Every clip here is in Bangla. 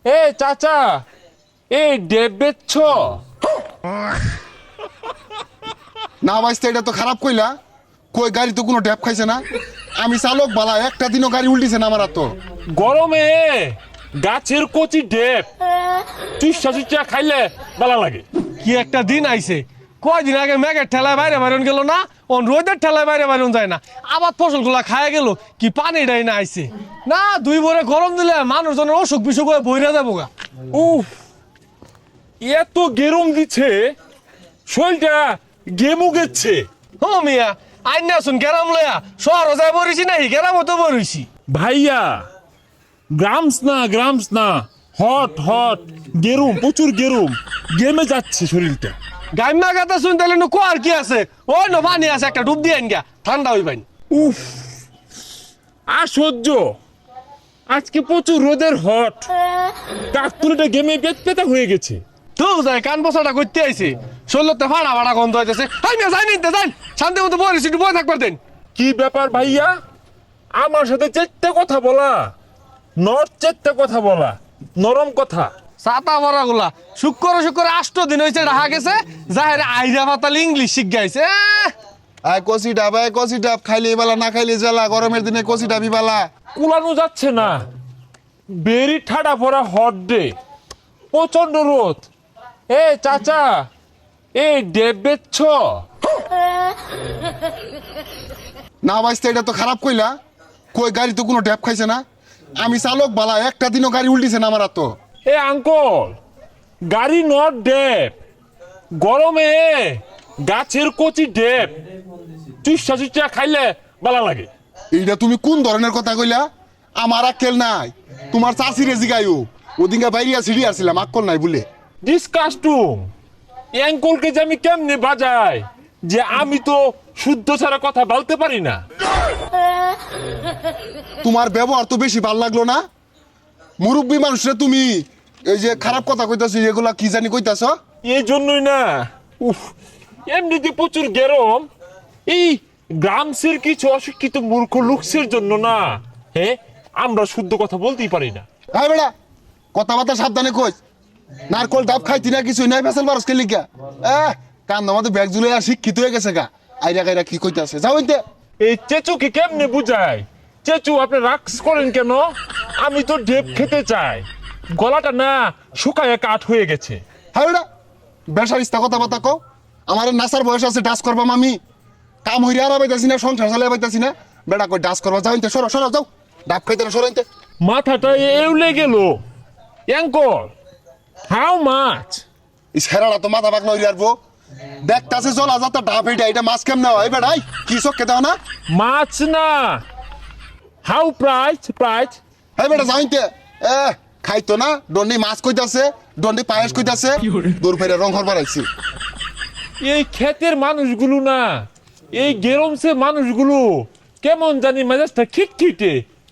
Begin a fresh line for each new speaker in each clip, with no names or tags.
এ চাচা, এই ডেব বেচছ?
না ভাইস্তে, এটা তো খারাপ কইলা। কই গাড়ি তো কোনো ড্যাপ খাইছে না। আমি চালক বালা, একটা দিনও গাড়ি উল্টিছে না আমার তো।
গরমে গাছের কচি ডেব চুষা চুষা খাইলে ভালো লাগে।
কি একটা দিন আইছে, কয়দিন আগে মেঘের ঠেলায় বাইরে বাইরন গেল না, অন রোদের ঠেলায় বাইরে বাইরন যায় না, আবার ফসলগুলা খায় গেল, কি পানিটাই না আইছে না। দুই ভরে গরম দিলে মানুষজনের অসুখ বিসুখ হয়ে বইরা যাবো গা।
উফ, এত গেরম দিচ্ছে, শরীরটা গেমু গেছে।
ও মিয়া, আইন আসুন গেরাম লয়া, শহর যায় বরিছি নাই, গেরামও তো বরিছি।
ভাইয়া, গ্রামস না, হট হট গেরুম, প্রচুর গেরুম, গেমে যাচ্ছে শরীরটা।
গাইমা গাতা শুন তাহলে কোয়ার কি আছে, ওই নো পানি আছে, একটা ডুব দিয়ে আইন গা, ঠান্ডা হইবাইন।
উফ, আর সহ্য। আজকে প্রচুর রোদের হট, কাকতুলিটা গেমে পেতা হয়ে গেছে।
তো যায় কান বসাটা করতে আইছে, শরীরতে ফাড়া ফাড়া গন্ধ হইতেছে। হাই মিয়া যাই নিতে যাই, শান্তি মতো বরিছি, একটু বয়ে থাকবার দেন।
কি ব্যাপার ভাইয়া, আমার সাথে চেট্টে কথা বলা, চেট্টে কথা বলা, নরম কথা।
ছাতা ভরা গুলা শুক্র 8 দিন হয়েছে রাহা গেছে, যাহের আইরা পাতালি ইংলিশ শিখ গাইছে।
আয় কষি ডাব, আয় কষি ডাব, খাইলে বালা না খাইলে জ্বালা। গরমের দিনে কষি ডাবি বালা।
কুলানো যাচ্ছে না, বেরি ঠাডা পড়া হট ডে, প্রচন্ড রোদ। এ চাচা, এই ডেব বেচছ?
না ভাইস্তে, এটা তো খারাপ কইলা। কই গাড়ি তো কোনো ড্যাপ খাইছে না। আমি চালক বালা, একটা দিনও গাড়ি উল্টিছে না আমার তো।
এ আঙ্কল, গাড়ি নট ডেব, গরমে গাছের কচি ডেব চুষা চুষা খাইলে ভালো লাগে।
এইটা তুমি কোন ধরনের কথা কইলা? আমার আক্কেল নাই, তোমার চাষিরে জিগাইও। ওদিনকে বাইরিয়া সিঁড়ি আসছিলাম, আক্কল নাই বলে।
ডিসকাস্টুম, অ্যাঙ্কলকে যে আমি কেমনে বাজাই, যে আমি তো শুদ্ধ ছাড়া কথা বলতে পারি না।
তোমার ব্যবহার তো বেশি ভাল লাগলো না। মুরব্বী মানুষরা তুমি এই যে খারাপ কথা কইতাছো, এগুলা কি জানি কইতাছ।
এই জন্যই না, উফ, এমনিতে প্রচুর গরম। এই গ্রামসের কিছু অশিক্ষিত মূর্খ লোকসের জন্য না, হ্যাঁ, আমরা শুদ্ধ কথা বলতেই পারি না।
হ্যাঁ বেড়া, কথাবার্তা সাবধানে কই। নারকল ডাব খাইতি না, কিছুই নাই, ফেসাল বারস খেলি গা। কান আমাদের ব্যাগ জুলে শিক্ষিত হয়ে গেছে গা। আইরা গাইরা কি কইতাছে, যাও ইনতে।
এই চেচুকে কেমনে বুঝায়? চেচু, আপনি রাক্স করেন কেন? আমি তো ডেপ খেতে চাই, গলাটা না শুকায় কাঠ হয়ে গেছে।
হ্যাঁ বেড়া, বেসারিস্তা কথাবার্তা কও। আমার নাসার বয়স আছে, ডাস করবাম আমি। কাম হইরে আর পাইতাছি না, সংসার চালাই পাইতাছি না। বেড়া কই ডাস করবা, যাও ইনতে, সরো সরো যাও। ডাব খাইতে না, সরো ইনতে।
মাথাটা এউলে গেল। Uncle, how much?
এই ছেড়াটা তো মাথা পাকনা হইরে আরবো। দেখতাছে জলা যাতা ডাব, এটা মাছ কেমনে হয় বেড়াই? কি চোখকে দাও না?
মাছ না, হাউ প্রাইস?
হ্যাঁ বেটা, যাও ইনতে। খাইতো না, দন্ডি মাছ কইতাছে, দন্ডি পায়েস কইতাছে। দূর ফেরে রং হরবার আইছি।
এই ক্ষেতের মানুষগুলো না, এই গেরমসে মানুষগুলো কেমন জানি মেজাজটা খিটখিটে,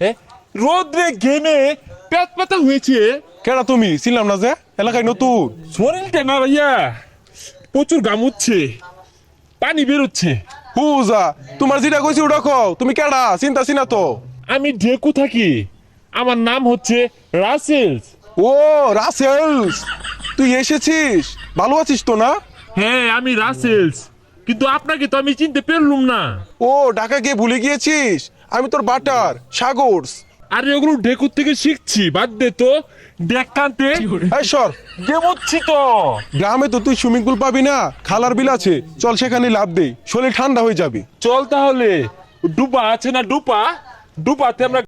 রোদ্রে ঘেমে পেট পাতা হয়েছে।
কেডা তুমি? ছিলাম না যে এলাকায় নতুন।
শরীরটা না ভাইয়া, প্রচুর গামুচ্ছে, পানি বেরোচ্ছে।
হুজা, তোমার যেটা কইছি ওটা কও। তুমি কেডা? চিন্তা চিনা তো।
আমি ঢেকু থাকি, আমার নাম হচ্ছে রাসেলস।
ও রাসেলস, তুই এসেছিস? ভালো আছিস তো না?
হ্যাঁ, আমি রাসেলস, কিন্তু আপনাকে তো আমি চিনতে পারলুম না।
ও ঢাকা গিয়ে ভুলে গিয়েছিস? আমি তোর বাটার সাগরস।
আরে ওগুলো ঢেকুর থেকে শিখছি, বাদ দে তো। দেখ কান্তে
এই সর,
গেমুচ্ছি তো।
গ্রামে তো তুই সুইমিং পুল পাবি না, খালার বিল আছে, চল সেখানে লাভ দেই, শরীর ঠান্ডা হয়ে যাবে।
চল তাহলে। ডুবা আছে না, ডুপাতে আমরা